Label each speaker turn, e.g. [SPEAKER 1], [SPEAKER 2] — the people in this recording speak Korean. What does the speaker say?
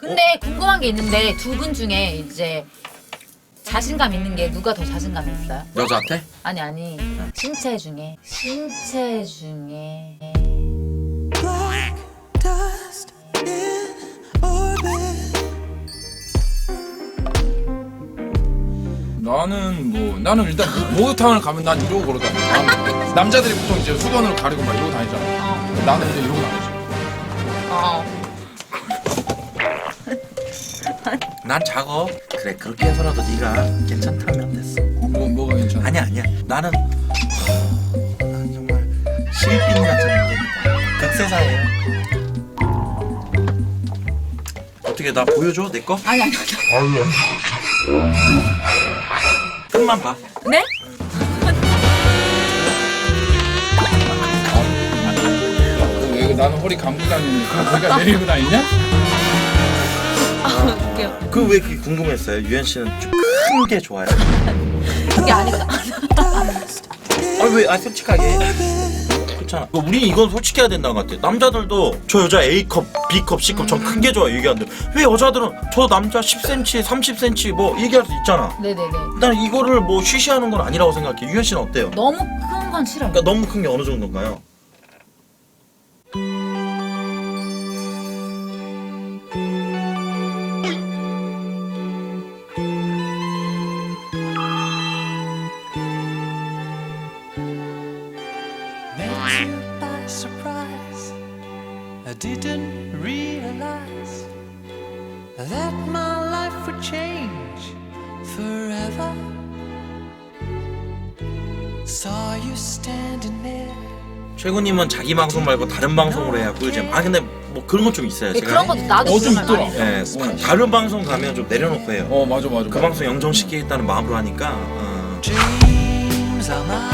[SPEAKER 1] 근데 궁금한 게 있는데 두 분 중에 이제 자신감 있는 게 누가 더 자신감이 있어요?
[SPEAKER 2] 여자한테?
[SPEAKER 1] 아니 신체 중에
[SPEAKER 3] Black dust in orbit.
[SPEAKER 2] 나는 일단 목욕탕을 가면 난 이러고 걸어 다녀. 남자들이 보통 이제 수건으로 가리고 막 이러고 다니잖아. 나는 이제 이러고 다니지.
[SPEAKER 4] 난 작어. 그래 그렇게 해서라도 네가 괜찮다면 됐어.
[SPEAKER 2] 뭐가 괜찮아?
[SPEAKER 4] 아니야. 나는 정말 실빈 같은 인간이다. 극세사예요. 어떻게 나 보여줘 내 거?
[SPEAKER 1] 아니
[SPEAKER 4] 끝만 봐.
[SPEAKER 1] 네?
[SPEAKER 2] 왜 나는 허리 감고 다니는데 그럼 거기가 내리고 다니냐?
[SPEAKER 1] 웃겨.
[SPEAKER 4] 그 왜 그게 궁금했어요? 유현 씨는 좀 큰 게 좋아요.
[SPEAKER 1] 그게 아니까
[SPEAKER 4] 왜 솔직하게. 그렇잖아. 우리 이건 솔직해야 된다는 것 같아. 남자들도 저 여자 A컵, B컵, C컵 전 큰 게 좋아 얘기하는데 왜 여자들은 저 남자 10cm, 30cm 뭐 얘기할 수 있잖아.
[SPEAKER 1] 네네네.
[SPEAKER 4] 난 이거를 뭐 쉬쉬하는 건 아니라고 생각해. 유현 씨는 어때요?
[SPEAKER 1] 너무 큰 건 싫어요.
[SPEAKER 4] 그러니까 너무 큰 게 어느 정도인가요?
[SPEAKER 3] Met you by surprise. I didn't realize that my life would change forever. Saw you standing there.
[SPEAKER 4] 최군님은 자기 방송 말고 다른 방송으로 해야 꿀잼. 근데 뭐 그런 건 좀 있어요. 제가
[SPEAKER 1] 그런 것도 나도
[SPEAKER 2] 좀
[SPEAKER 1] 그런 말 많이
[SPEAKER 2] 있더라.
[SPEAKER 1] 해요.
[SPEAKER 4] 다른 방송 가면 좀 내려놓고 해요.
[SPEAKER 2] 맞아.
[SPEAKER 4] 그 방송 영정시키겠다는 마음으로 하니까
[SPEAKER 3] Dreams are my